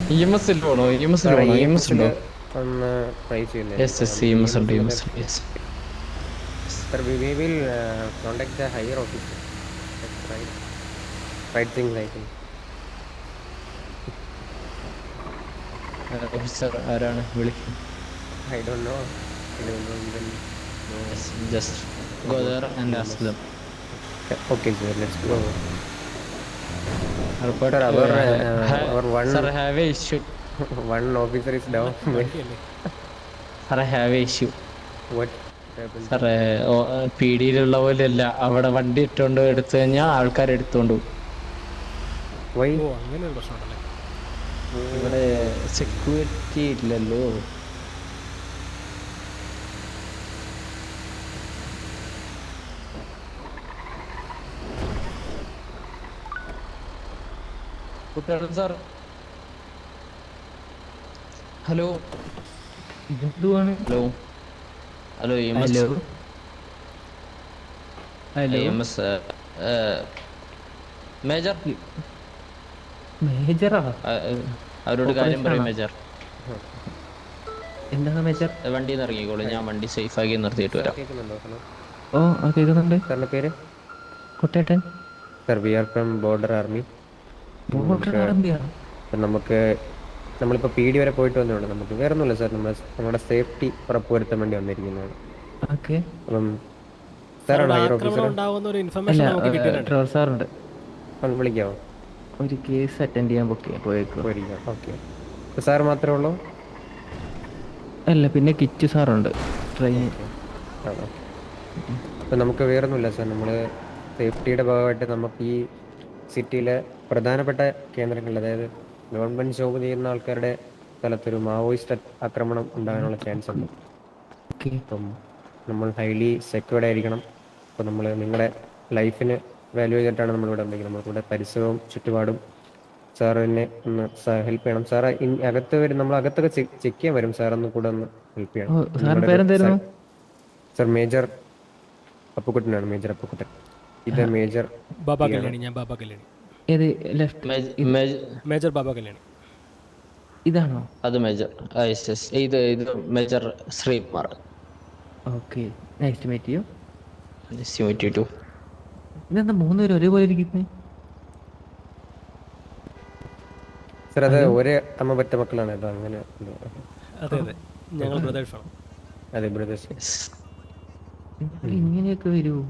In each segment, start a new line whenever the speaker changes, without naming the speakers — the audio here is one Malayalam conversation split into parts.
EMS ൽ പോണോ? EMS ൽ
സാറേ
പോണോ?
ഇ എം
EMS
എസിൽ
ഉണ്ടോ?
ഒന്ന് ട്രൈ
യെസ് യെസ്,
ചെയ്യുന്നതായിരിക്കും. ഇ
EMS
എം
ഉണ്ട്,
എസിൽ
EMS ഉണ്ട്, yes.
Sir we will contact the higher officer. Right things I think.
Officer ആരാണ് വിളിക്കും?
I don't know.
Just go there and ask them.
Okay sir, let's go.
Report.
Sir അവർ one
sir have a issue.
One officer is down.
സാറേ have a issue.
What happened?
സാറേ പീടിയിലുള്ള പോലെയല്ല, അവിടെ വണ്ടി ഇട്ടുകൊണ്ട് എടുത്തു കഴിഞ്ഞാൽ ആൾക്കാർ എടുത്തോണ്ട് പോകും.
വൈ?
ഓ അങ്ങനെ ഒരു പ്രശ്നമുണ്ടല്ലേ.
ഇവിടെ സെക്യൂരിറ്റി ഇല്ലല്ലോ. കുട്ടികളും സാർ, ഹലോ.
ഇതെന്തുവാണ്?
Hello hello
hello hello
EMS major,
മേജറാ?
അവരോട് കാര്യം പറയും
ഓപ്പറേഷനാണോ?
മേജർ.
എന്താണ് മേജർ?
വണ്ടിയിൽ നിന്ന് ഇറങ്ങിക്കോളൂ, ഞാൻ വണ്ടി സേഫ് ആക്കി നിർത്തിയിട്ട്
സാർ
വരാം.
കേൾക്കുന്നുണ്ടോ? ഹലോ,
ഓ കേൾക്കുന്നുണ്ട്.
സാറിൻ്റെ പേര്?
കുട്ടേട്ടൻ.
Sir we are from border army.
Border ആർമിയാണ്?
നമുക്ക് നമ്മളിപ്പോൾ പി ഡി വരെ പോയിട്ട് വന്നതുകൊണ്ട് നമുക്ക് വേറെ ഒന്നുമില്ല സാർ, നമ്മുടെ സേഫ്റ്റി ഉറപ്പുവരുത്താൻ വേണ്ടി വന്നിരിക്കുന്നതാണ്.
ഓക്കെ.
അപ്പം സാറാണ് ഹയർ
ആക്രമണം
ഓഫീസർ?
ഉണ്ടാവുന്ന ഒരു
അല്ല,
ഇൻഫർമേഷൻ നമുക്ക് കിട്ടിയിട്ടുണ്ട്.
ട്രവർ സാറുണ്ട്.
ഒന്ന് വിളിക്കാമോ?
ഒരു കേസ് അറ്റൻഡ് ചെയ്യാൻ പോയേക്കോ.
പോയിരിക്കാം. ഓക്കെ, സാർ മാത്രമേ ഉള്ളൂ?
അല്ല, പിന്നെ കിച്ചു സാറുണ്ട്, ട്രെയിനിങ്.
ആണോ? അപ്പം നമുക്ക് വേറൊന്നുമില്ല സാർ, നമ്മൾ സേഫ്റ്റിയുടെ ഭാഗമായിട്ട് നമുക്ക് ഈ സിറ്റിയിലെ പ്രധാനപ്പെട്ട കേന്ദ്രങ്ങളിൽ, അതായത് ഗവൺമെൻറ് ജോബ് ചെയ്യുന്ന ആൾക്കാരുടെ സ്ഥലത്തൊരു മാവോയിസ്റ്റ് ആക്രമണം ഉണ്ടാകാനുള്ള ചാൻസ് ഉണ്ട്.
ഓക്കെ.
അപ്പം നമ്മൾ ഹൈലി സെക്യൂർഡ് ആയിരിക്കണം. അപ്പോൾ നമ്മൾ നിങ്ങളുടെ ലൈഫിന് വാല്യൂ ചെയ്തിട്ടാണ് നമ്മളിവിടെ ഉണ്ടെങ്കിൽ നമ്മളിവിടെ പരിസരവും ചുറ്റുപാടും സാറിനെ ഒന്ന് ഹെൽപ്പ് ചെയ്യണം. സാറ് അകത്ത് വരും, നമ്മൾ അകത്തൊക്കെ ചെക്ക് ചെയ്യാൻ വരും. സാറൊന്ന് കൂടെ ഒന്ന് ഹെൽപ്പ് ചെയ്യണം.
സാറിന് പേരെന്തായിരുന്നു?
സാർ മേജർ അപ്പുക്കുട്ടനാണ്, മേജർ അപ്പുക്കുട്ടൻ. ഇത് മേജർ
ബാബ കല്യാണി. ഞാൻ ബാബ കല്യാണി.
ഏത് ലെഫ്റ്റ്?
മേജർ ബാബ കല്യാണി.
ഇതാണോ?
അത് മേജർ. ഇത് major Sreekumar.
Okay, nice to meet you. ഇതെന്താ മൂന്നുപേരും ഒരേപോലെ ഇരിക്കുന്നത്?
സാർ അത് ഒരേ അമ്മ പറ്റ മക്കളാണ്. അത് അങ്ങനെ.
അതെ അതെ, ഞങ്ങൾ ബ്രദേഴ്സാണ്.
അതെ, ബ്രദേഴ്സ്.
ഇങ്ങനെയൊക്കെ വരുമോ?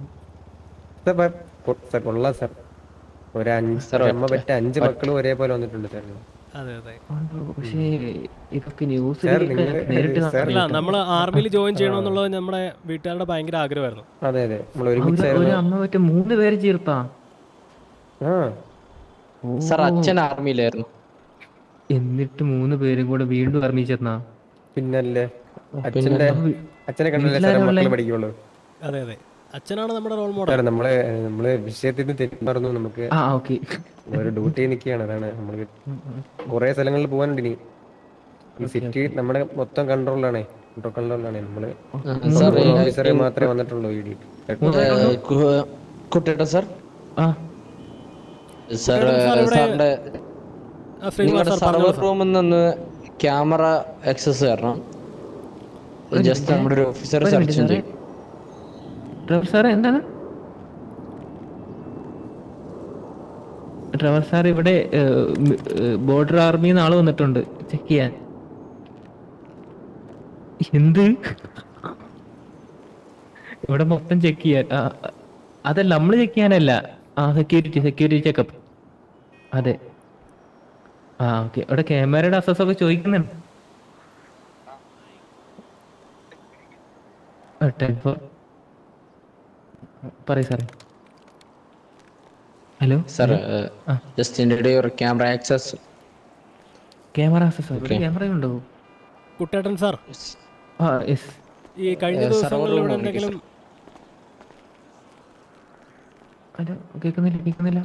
സാർ കൊള്ളാം സാർ. അമ്മ പറ്റ 5 മക്കളും ഒരേപോലെ വന്നിട്ടുണ്ട് സാർ.
അതെ അതെ.
പക്ഷേ ഇതൊക്കെ ന്യൂസ്
സാർ,
നേരിട്ട്
അല്ല, നമ്മൾ ആർമിയിൽ ജോയിൻ ചെയ്യണമെന്നുള്ളത് നമ്മുടെ വീട്ടുകാരുടെ ഭയങ്കര ആഗ്രഹമായിരുന്നു.
അതെ അതെ, നമ്മൾ ഒരുമിച്ചായിരുന്നു.
ഒരു അമ്മ പറ്റ 3 പേര് ചേർത്താ?
ആ
സാർ അച്ഛൻ ആർമിയിലായിരുന്നു.
എന്നിട്ട് 3 പേരും കൂടെ വീണ്ടും ആർമി ചേർന്നാ?
പിന്നല്ലേ, അച്ഛനെ കണ്ടല്ലേ സാറേ മക്കള് പഠിക്കുള്ളൂ.
അതെ അതെ, അച്ഛനാണ് നമ്മുടെ റോൾ മോഡൽ.
സാർ നമ്മള് വിഷയത്തിൽ നിന്ന് തെറ്റി പറഞ്ഞു. നമുക്ക് ഒരു ഡ്യൂട്ടി നിൽക്കുകയാണ്. അതാണ് നമ്മള് കുറെ സ്ഥലങ്ങളിൽ പോകാനുണ്ട് ഇനി. ഈ സിറ്റി നമ്മുടെ മൊത്തം കൺട്രോളിലാണ്. നമ്മള് ഓഫീസറെ മാത്രമേ വന്നിട്ടുള്ളൂ.
കുട്ടിയുടെ സാർ, സാറിന്റെ സർവർ റൂമിൽ നിന്ന് ക്യാമറ ആക്സസ് തരണം. ജസ്റ്റ് നമ്മുടെ ഒരു ഓഫീസർ സെർച്ച് ചെയ്യും.
സാറേ എന്താണ്? ട്രവർ സാർ, ഇവിടെ ബോർഡർ ആർമിന്ന് ആള് വന്നിട്ടുണ്ട് ചെക്ക് ചെയ്യാൻ. എന്ത്? ഇവിടെ മൊത്തം ചെക്ക് ചെയ്യാൻ? അതല്ല, നമ്മള് ചെക്ക് ചെയ്യാനല്ല. Security checkup. അതെ. ഓക്കെ. ഇവിടെ ക്യാമറയുടെ അസസ് ഒക്കെ ചോദിക്കുന്നുണ്ട്. പറയൂ സാറേ. Hello
sir, just indicate your camera access.
Camera access? ക്യാമറയുണ്ടോ
കുട്ടേട്ടൻ സാർ?
യെസ്.
ഈ കഴിഞ്ഞ ദിവസങ്ങളിൽ ഇവിടെ എന്തെങ്കിലും?
ഹലോ, കേൾക്കുന്നില്ല.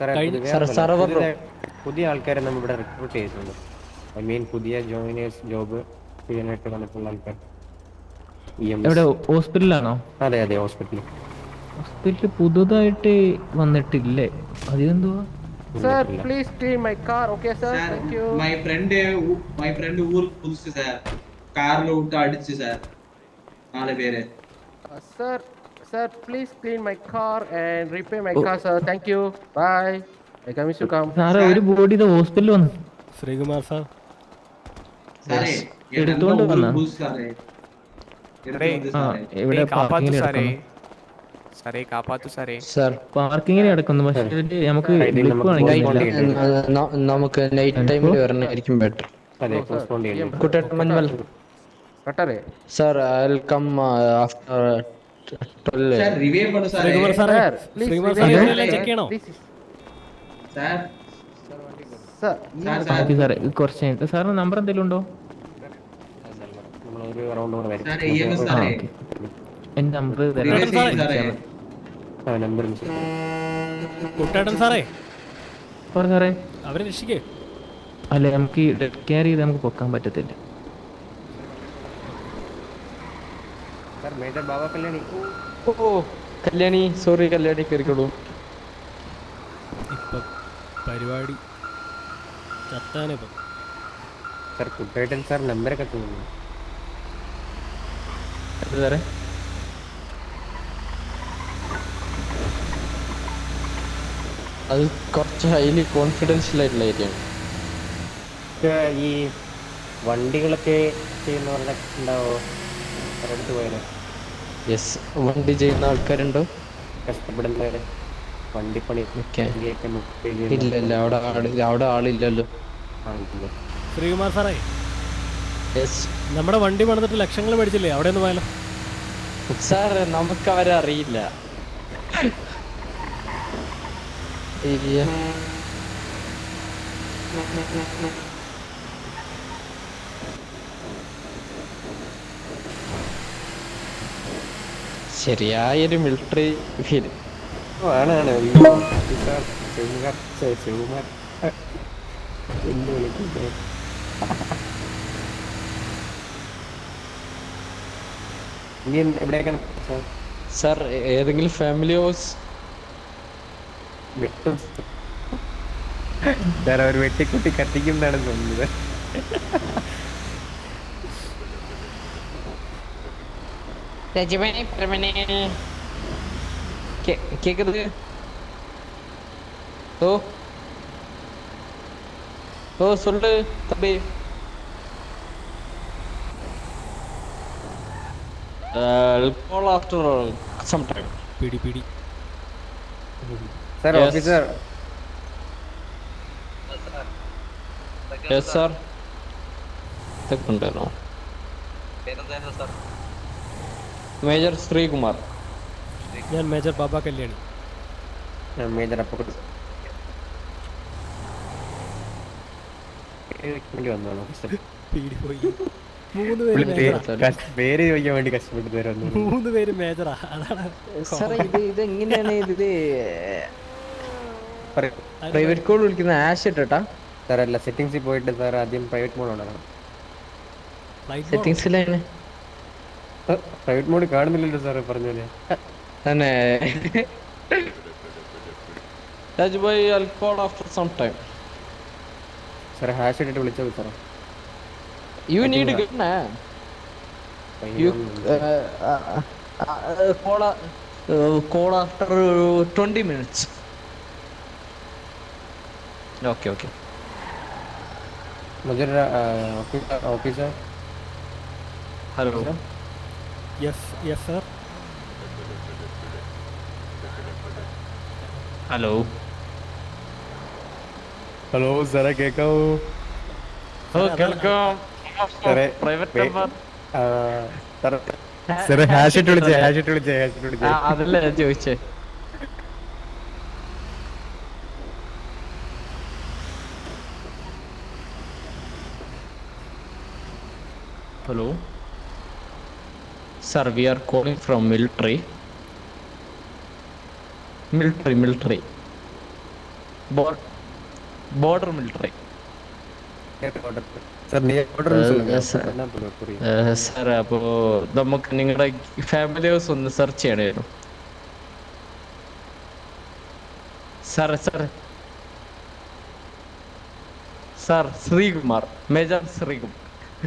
പുതിയ ആൾക്കാരെ നമ്മൾ ഇവിടെ റിക്രൂട്ട് ചെയ്തിട്ടുണ്ട്. ഐ മീൻ പുതിയ ജോയിനേഴ്സ്, ജോബ് ചെയ്യാനായിട്ട് വന്നിട്ടുള്ള ആൾക്കാർ.
എവിടെ? ഹോസ്പിറ്റലാണോ?
അതെ ഹോസ്പിറ്റലിൽ
പുതുതായിട്ട് വന്നിട്ടില്ലേ? അതെന്തുവാ?
Sir, please clean my car. Okay, sir. Thank you.
my friend ஊருக்கு புதுசு சார். கார்ல விட்டு அடிச்சு சார் 4 பேரு.
Sir, sir, please clean my car and repair my car, sir. Thank you. Bye. I come to come.
സാറേ ഒരു ബോഡി ഇത് ഹോസ്പിറ്റലിൽ വന്നു.
ശ്രീകുമാർ സാർ
സാറേ
എടുത്തോണ്ട്
ഊருக்கு
വന്നാ?
புதுசு സാറേ. എടുത്തു വന്നു
ആ
സാറേ.
ഇവിടെ
കാപ്പാത്തു
പാർക്കിങ്ങിൽ
സാറേ
കിടക്കുന്നു.
സാറേ കാപ്പാത്തു സാറേ
സാർ
പാർക്കിങ്ങിൽ കിടക്കുന്നു. പക്ഷെ ഇതില് നമുക്ക് ബ്ലിപ്പ് കാണിക്കുന്നില്ല.
നമുക്ക് നൈറ്റ് ടൈമിൽ വരണായിരിക്കും ബെറ്റർ.
അതെ പോസ്റ്റ്പോണ്ട് ചെയ്യണം.
Kuttettan Manjummal
Cutter.
Sir I will come after 12.
Sir revive பண்ணு സാറേ.
ശ്രീകുമാർ സാറേ
Sir, please
ശ്രീകുമാർ
revive
സാറേ
me.
ഇതെല്ലാം ചെക്ക് ചെയ്യണോ?
This is-
sir
Sir,
sir
okay സാറേ കുറച്ച് കഴിഞ്ഞിട്ട് സാറിന് നമ്പർ എന്തെങ്കിലും ഉണ്ടോ?
നമ്മൾ ഒരു റൗണ്ട് കൂടെ വരും.
സാർ EMS
ആ
സാറേ.
ഓക്കെ എൻ്റെ നമ്പർ
റിവൈവ്
തരാം.
സാറേ.
നമ്പർ
കുട്ടേട്ടൻ സാറേ
പറ സാറേ.
അവരെ രക്ഷിക്കേ.
അല്ല നമുക്ക് ഈ ഡെഡ് കെയർ ചെയ്ത് നമുക്ക് പൊക്കാൻ പറ്റത്തില്ല.
Sir major Baba Kalyani.
Oh Kalyani, sorry Kalyani, കയറിക്കോളൂ.
ഇപ്പം പരിപാടി ചത്താനിപ്പം.
സർ കുട്ടേട്ടൻ സാർ നമ്പരൊക്കെ തോന്നുന്നു.
അത് സാറേ അത് കുറച്ച് ഹൈലി കോൺഫിഡൻഷ്യൽ ആയിട്ടുള്ള ഏരിയ ആണ്.
ഈ വണ്ടികളൊക്കെ ചെയ്യുന്നവരുടെ ഉണ്ടാവോ അടുത്ത് പോയാലോ?
യെസ്, വണ്ടി ചെയ്യുന്ന ആൾക്കാരുണ്ടോ?
കഷ്ടപ്പെടുന്നവരെ വണ്ടിപ്പണി
ഓക്കെ.
വണ്ടിയൊക്കെ
ഇല്ല ഇല്ല, അവിടെ ആളില്ലല്ലോ.
ശ്രീകുമാർ സാറേ
യെസ്
നമ്മുടെ വണ്ടി പണിതിട്ട് ലക്ഷങ്ങൾ മേടിച്ചില്ലേ, അവിടെ ഒന്ന് പോയാലോ?
സാർ നമുക്ക് അവരെ അറിയില്ല. ഇല്ല. ശരിയായൊരു മിലിറ്ററി ഫീൽ.
ആണ് ശിവകുമാർ എന്ത് വിളിക്കുന്നത്? ഇനി എവിടെയൊക്കെ
സാർ ഏതെങ്കിലും ഫാമിലി ഹൗസ്?
വെട്ടും സാർ അവർ വെട്ടിക്കുട്ടി കത്തിക്കുന്നതാണ് തോന്നുന്നത്.
கேக்குது? ஓ ஓ சொல்லு தம்பி. Call after some time.
പിടി പിടി.
Sir
Yes.
Officer
Yes sir. തെക്കുണ്ടല്ലോ. മേജർ ശ്രീകുമാർ.
ഞാൻ മേജർ ബാബ കല്യാണി.
മേജർ അപ്പുറത്ത് വന്നതാണ് ഓഫീസർ.
പിടി പോയി. 3 പേര് മേജറാ.
പേര് ചോദിക്കാൻ വേണ്ടി കഷ്ടപ്പെട്ടു തരുന്നു.
3 പേര് മേജറാ. അതാണ്
സാർ ഇത് എങ്ങനെയാണ് ഇത് പ്രൈവറ്റ് കോൾ വിളിക്കുന്ന ആഷ് ഇട്ടാ?
സാർ അല്ല, സെറ്റിംഗ്സിൽ പോയിട്ട് സാർ ആദ്യം പ്രൈവറ്റ് മോഡ് ഉണ്ടാക്കണം.
Flight mode.
സെറ്റിംഗ്സിലാണ്
പ്രൈവറ്റ് മോഡ് കാണുന്നില്ലല്ലോ സാറ് പറഞ്ഞല്ലേ.
തന്നെ. Rajubhai I'll call after some time.
Sir hash ഇട്ടിട്ട് വിളിച്ചോ സാറേ.
You need a gun. You call after 20 minutes. Okay.
Major officer.
Hello.
Yes sir.
Hello.
Hello സാറേ കേൾക്കാവോ?
കേൾക്കാം.
സാറേ
പ്രൈവറ്റ് നമ്പർ.
സാറേ ഹാഷ് ഇട്ട് വിളിച്ചേ.
അതല്ല ഞാൻ ചോദിച്ചേ. Hello. Sir, we are calling from military. Border military.
Sir നീ ഓർഡർ
Yes, sir. സാർ അപ്പോൾ നമുക്ക് നിങ്ങളുടെ ഫാമിലി ഹൗസ് ഒന്ന് സെർച്ച് ചെയ്യണമായിരുന്നു. സാറേ സാർ ശ്രീകുമാർ, മേജർ ശ്രീകുമാർ.